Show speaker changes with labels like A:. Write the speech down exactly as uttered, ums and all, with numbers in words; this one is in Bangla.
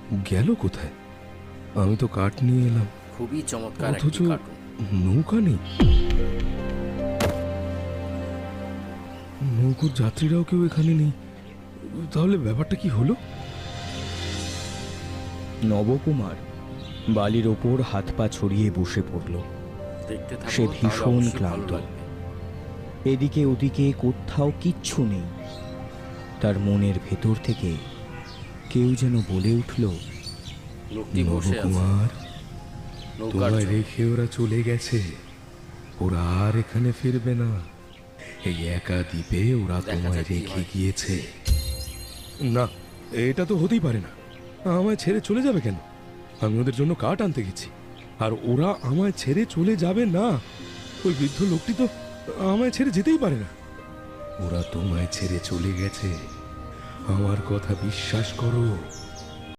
A: গেল কোথায়? আমি তো কাঠ নিয়ে এলাম,
B: খুবই চমৎকার
A: অথচ
B: একটি কার্টুন।
A: নৌকা নেই। নৌকোর যাত্রীরাও কেউ এখানে নেই। তাহলে ব্যাপারটা কি হলো?
C: নবকুমার বালির ওপর হাত পা ছড়িয়ে বসে পড়ল।
B: দেখতে থাকো,
C: সে
B: তাহলে
C: ভীষণ
B: অবশ্যই ভালো
C: ক্লান্ত।
B: লাগবে।
C: এদিকে ওদিকে কোথাও কিচ্ছু নেই। তার মনের ভেতর থেকে কেউ যেন বলে উঠল,
B: লোকটি বসে আছে
A: নবকুমার,
B: নৌকার
A: তোমায়
B: জন্য।
A: রেখে ওরা চলে গেছে। ওরা আর এখানে ফিরবে না। এই একা দ্বীপে ওরা
B: দেখা
A: তোমায়
B: যাক কি
A: রেখে
B: হয়।
A: গিয়েছে। না, এটা তো হতেই পারে না। আমায় ছেড়ে চলে যাবে কেন? আমি ওদের জন্য কাঠ আনতে গেছি, আর ওরা আমায় ছেড়ে চলে যাবে না। ওই বৃদ্ধ লোকটি তো আমায় ছেড়ে যেতেই পারে না। ওরা তোমায় ছেড়ে চলে গেছে, আমার কথা বিশ্বাস করো।